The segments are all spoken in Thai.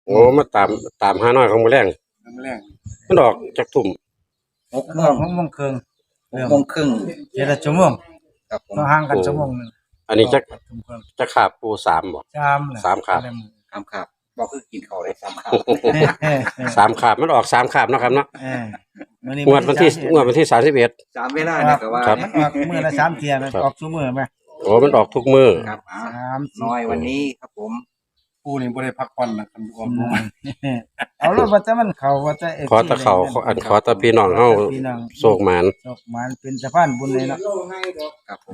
โอ้มาตามหาน้อยของมื้อแรงน้ำแรงมันออกจักทุ่ม 6 โมงครึ่ง 6 โมงครึ่งเจ็ดชั่วโมงครับผมต้องห่างกันชั่วโมงหนึงอันนี้จักทุ่มครึ่งจักขาบปู3บ่ 3 3ขาบ 3 คาบบอกคือกินข้าวได้3 คาบ 3ขาบมันออก3ขาบเนาะครับเนาะมื้อนี้งวดวันที่31 3 เวลาเนี่ยก็ว่าครับมันออกมื้อละ3เที่ยมันออกซุมื้อมั้ยโอ้มันออกทุกมื้อครับ 30 น้อยวันนี้ครับผมปูนี่บ่ได้พักผ่อนนะคันรวมลงมาเอาล่ะว่าแต่มันเข้าว่าแต่ขอแตะเขาขอแตะพี่น้องเฮาโศกหมานโศกหมานเป็นสะพานบุญเลยเนาะครับผม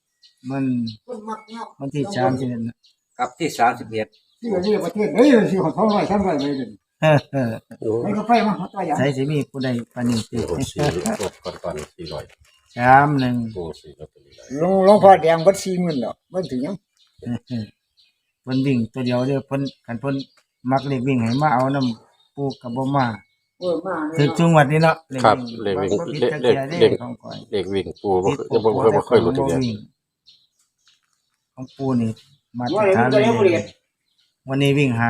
มันที่31น่ะครับที่31 ที่นี่ประเทศเฮ้ยสิของ200 300ไปเลยโอ้ให้ก็ไปมาตัวอย่างใส่สิมีผู้ใดปานนี้ติโหก่อน400 31 โอ้4ลอตเตอรี่หลวงพ่อแดงบัด40,000แล้วมันถึงยังเพิ่นวิ่งตัวเดียวเด้อเพิ่นคันเพิ่นมักเลขวิ่งให้มาเอานำปูก็บ่มามาถึงจังหวัดนี้เนาะครับเลขวิ่งบ่ผิดเลจักขเที่ยเลเด้ขของก่อยเลขวิ่งปูบ่เคยรู้จักเดียวของปูนี่มาตรฐานเลยวันนี้วิ่ง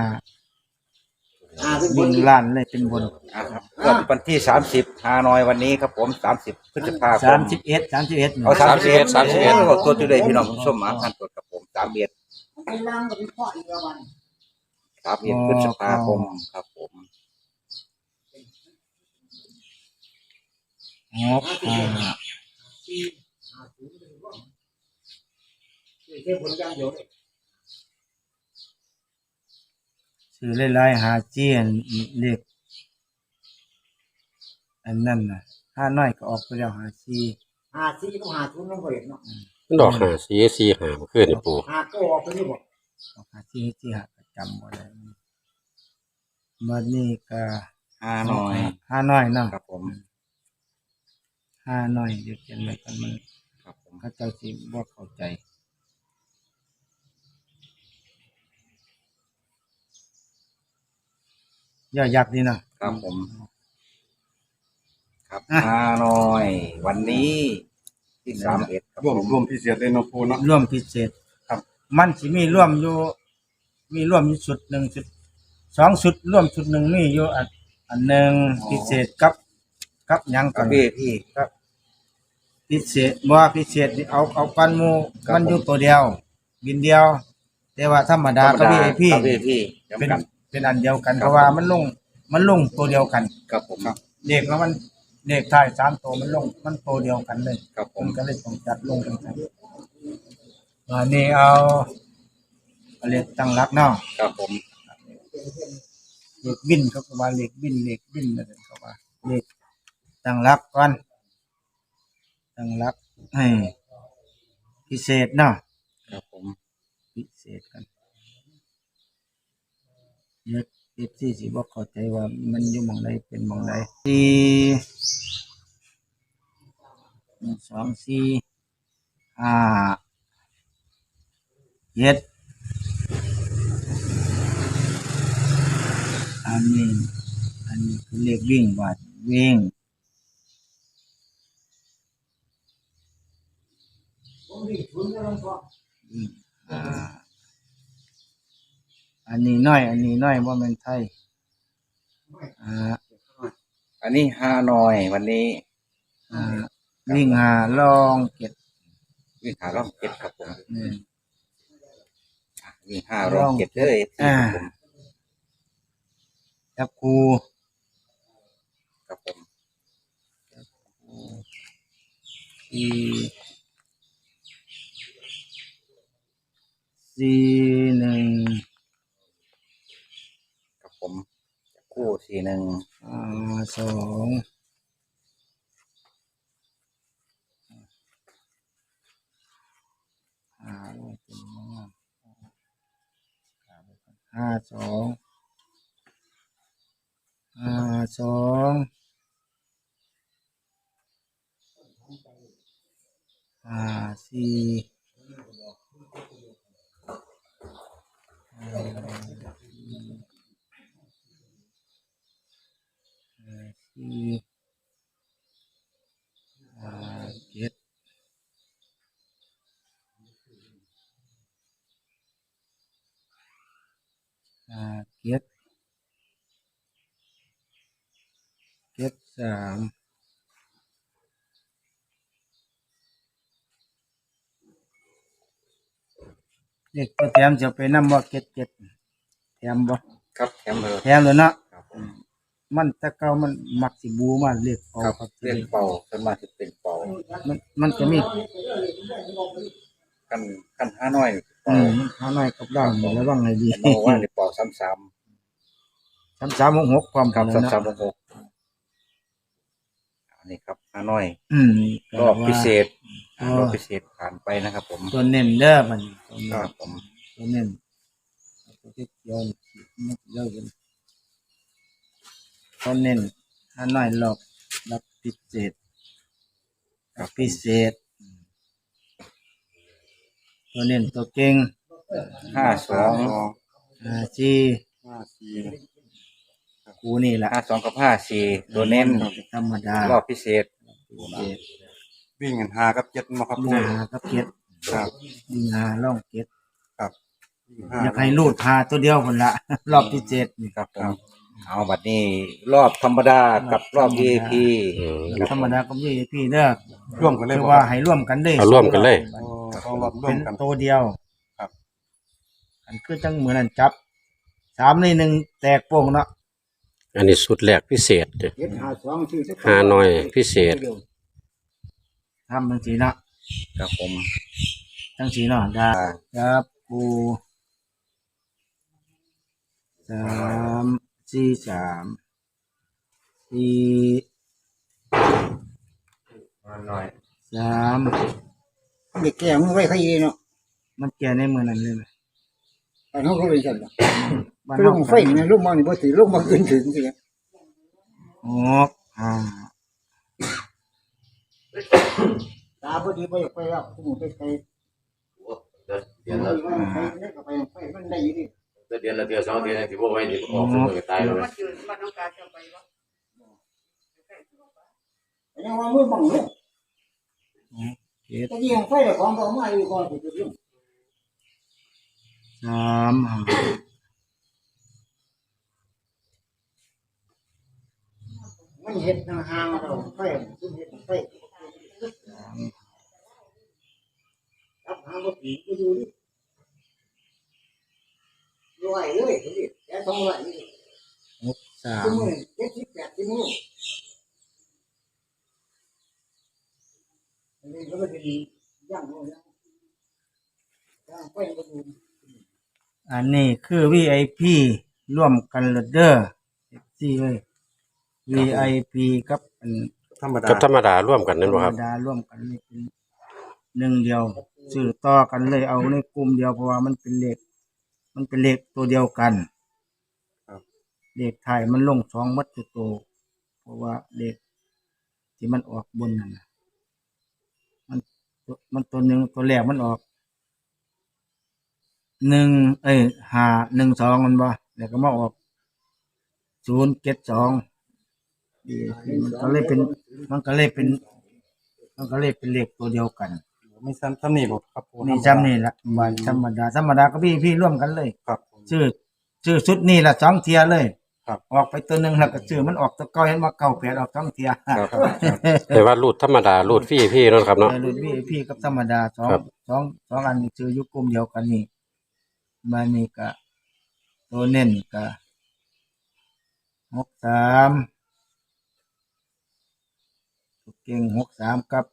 วิ่งล้านเลยเป็นบนครับวันที่30ฮานอยวันนี้ครับผม30พฤษภาคม 31 เอา31ก็ตัวจุดเลยพี่น้องผู้ชมมาพันตัวกับผม31 ไอ้ล่างก็เป็นพ่ออีกแล้วบัด 31พฤษภาคมครับผมซื้อหลายๆหาเจียนเลขอันนั้นน่ะห้าน้อยก็ออกไปแล้ว 54ก็50มันบ่เห็นเนาะมันดอก54 45เมื่อคืนนี่ปู 5ก็ออกไปนี่บ่ออกหาที่หาประจำบ่ได้บัดนี้ก็ฮานอยห้าน้อยเนาะครับผมห้าน้อยเดี๋ยวเขียนไว้กันมันครับผมเขาเจ้าสิบ่เข้าใจย่อยักษ์นี่เนาะครับผมครับฮานอยวันนี้ที่31ครับรวมผมรวมพิเศษเลยเนาะปูเนาะร่วมพิเศษครับมันสิมีร่วมอยู่ชุดหนึ่งชุด2ชุดร่วมชุดหนึ่งมีอยู่อันหนึ่งพิเศษกับหยังคกัรันบพี่ครับพิเศษบ่ว่าพิเศษนี่เอากันหมู่มันอยู่ตัวเดียว บินเดียว แต่ว่าธรรมดาก็ VIP ครับพี่ย้ำเป็นกันเป็นอันเดียวกันเพราะว่ามันลงตัวเดียวกันครับผมเลขแล้วมันเลขท้าย3ตัวมันลงมันตัวเดียวกันเลยครับผผม มก็เลยต้องจัดลงกันวันนี้เอาเลขตั้งหลักเนาะครับผมเลขบินเขาก็ว่าเลขบินนั่นเขาว่าเลขตั้งหลักก่อนตั้งหลักให้พิเศษเนาะครับผมพิเศษกันเล็กที่สิบ่เข้าใจว่ามันอยู่หม่องใดเป็นหม่องใด4 1 2 4 5 7อันนี้คือเลขวิ่งบาดวิ่งอันนี้น้อยบ่แม่นไทยอันนี้ฮานอยวันนี้วิ่งลองเก็ดวิ่งหารอบเจ็ดครับผมนี่วิ่ง5รอบเจ็ดเลยครับผมจับคูครับผม 4 1 ครับผมคู่41 2 7 5 7 73เลขตัวแถมจะไปนำบ่77แถมบ่ครับแถมเลยแถมเลยเนาะครับมันแต่เก่ามันมักสิบูมาเลขเอาครับครับเล่นเป่าสวนมากจะเป็นเป่ามันจะมีกันห้าน้อยหาหน่อยกับด่างระวังให้ดีเราว่าในเป่าซ้ำ 3366ความๆครับกันนะซ้ำๆ6อันนี้ครับห้าน้อยก็รอบพิเศษว่ารอบพิเศษผ่านไปนะครับผมตัวเน้นเด้อมันครับผมตัวเน้นตัวที่เกี่ยวนี่เยอะกันตัวเน้นหาหน่อยรอบพิเศษพิเศษตัวเน้นตัวเก่ง 52 จี 54 กูนี่แหละ 52กับ54ตัวเน้นธรรมดารอบพิเศษวิ่งกัน5กับ7มาครับมีปูหากับเก็ดครับมีหาล่องเก็ดครับอยากให้รูดพาตัวเดียวคนละ รอบพิเศษนี่ครับผมเอาบัดนี้รอบธรรมดากับรอบ VIP อืมธรรมดาก็มีพี่เด้อร่วมกันเลยคือบ่ว่าครับให้ร่วมกันได้เอาร่วมกันเลยโอ้ต้องรอบร่วเป็มนกันตัวเดียวครับอันคือจังเหมือนอันจับ3 ใน 1แตกโป่งเนาะอันนี้สุดแรกพิเศษเด้อ 752ชื่อห้าน้อยพิเศษทำจังสีเนาะครับผมจังสีเนาะได้ครับกู3 4 3 4 เด็กแก่มึงไว้ใครเนาะ 3มันแก่ในมือนั้นเลยนะอันเขาก็เลยสั่นล่ะบ้านลเฮางไฟนี่ลงมานี่บ่สิลงมาขึ้นถึงสิ ตาพอดีไปไปแล้วผมไปไปเดือนละไปมันได้อยู่ดิเดือนละเดือนสองเดือนสิบ่ไว้นี่ออกซุมื้อก็ตายแล้วนะยังว่ามือบังเลยเจ็ดตะกี้ยังไฟเลยของก็มาอยู่ก่อนสิเรื่อง 3 มันเห็ดห่างๆเราไฟซุ่มเห็ดไฟรับหางบ่ปีก็อยู่ดิรวยเลยดิแกต้องรวยนี่ 3 ซุ่มมื้อ70 80มื้ออันนี้ก็เป็นย่างโน่นย่างไฟก็อยู่อันนี้คือ VIP ร่วมกันเลยเด้อ FC เอ้ย VIP กับอันธรรมดากับธรรมดาร่วมกันนั่นธรบ่รคมรับดาร่วมกันนี่เป็นหนึ่งเดียวซื้อต่อกันเลยเอาในกลุ่มเดียวเพราะว่ามันเป็นเลขตัวเดียวกันเลขไทายมันลง2มัดจุโตวเพราะว่าเลขที่มันออกบนนั่นน่ะมันตัวหนึ่งตัวแรกมันออก512มันบ่แล้วก็มาออก072มันก็เลยเป็นเลขตัวเดียวกันมีซ้ำนี่บ่ครับนี่จำนี่ละวันธรรมดาก็พี่ร่วมกันเลยครับชื่อชุดนี่ละ2 เทียเลยครับออกไปตัวหนึ่งแล้วก็ชื่อมันออกตัวเก้าเห็นว่า98ออก2 เทียครับแต่ว่ารูดธรรมดารูดฟรีพี่นั่นครับเนาะรุ่นพี่กับธรรมดาสองครับสองอันนี้ชื่ออยู่กลุ่มเดียวกันนี่มานี่ก็ตัวเน้นก็63ตัวเก่ง63กับ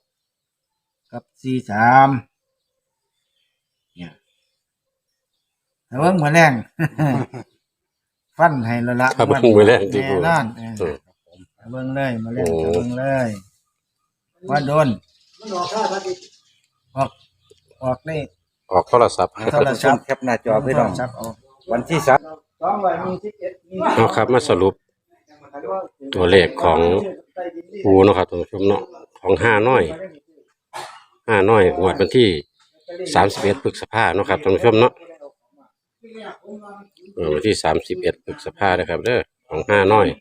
43เนี่ยแต่ว่ามื้อแรง ฟันให้และละครับมื้อแรงที่พูดแน่นอนอืมเบิ่งเลยมาเล่นโอ้เบิ่งเลยว่าโดนมันออกค่าพัดดิออกนี่ออกโทรศัพท์โทรศัพท์แคปหน้าจอพี่น้องชักออกวันที่3 221 เอาครับมาสรุปตัวเลขของปูเนาะครับท่านผู้ชมเนาะของห้าน้อยงวดวันที่31พฤษภาเนาะครับท่านผู้ชมเนาะวันที่31พฤษภานะครับเด้อของห้าน้อย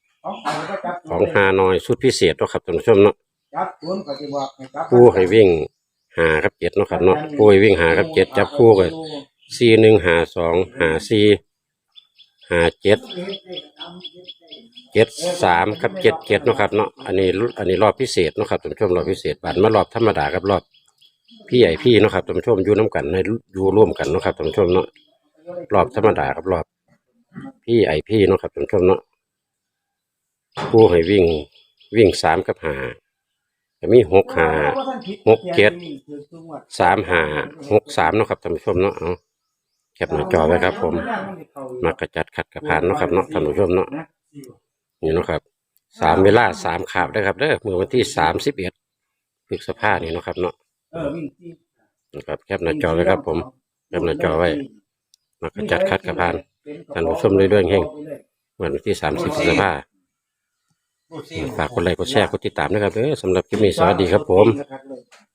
ชุดพิเศษเนาะครับท่านผู้ชมเนาะจับศูนย์ก็สิบอกให้จับปูให้วิ่ง5กับ7เนาะครับเนาะปูให้วิ่ง5กับ7จับคู่ก็4152 54 57 กับ77เนาะครับเนาะอันนี้รอบพิเศษเนาะครับท่านผู้ชมรอบพิเศษบัดมารอบธรรมดากับรอบพี่เนาะครับท่านผู้ชมอยู่น้ำกันในอยู่ร่วมกันเนาะครับท่านผู้ชมเนาะรอบธรรมดากับรอบพี่เนาะครับท่านผู้ชมเนาะผู้ให้วิ่ง3 กับ 5ก็มี6 5 6 7 3 5 6 3เนาะครับท่านผู้ชมเนาะเอาแคปหน้าจอไว้ครับผมมักกระจัดขัดกระพานเนาะครับเนาะท่านผู้ชมเนาะนี่เนาะครับ3 เวลา3 ขาบได้ครับเด้อเมื่อวันที่31 พฤษภาคมนี่เนาะครับเนาะนะครับแคปหน้าจอไว้ครับผมแคปหน้าจอไว้มักกระจัดขัดกระพานท่านผู้ชมเรื่อยๆเฮงวันที่30 พฤษภาคมฝากกดไลค์กดแชร์กดติดตามนะครับเด้อสำหรับคลิปนี้สวัสดีครับผมครับเลย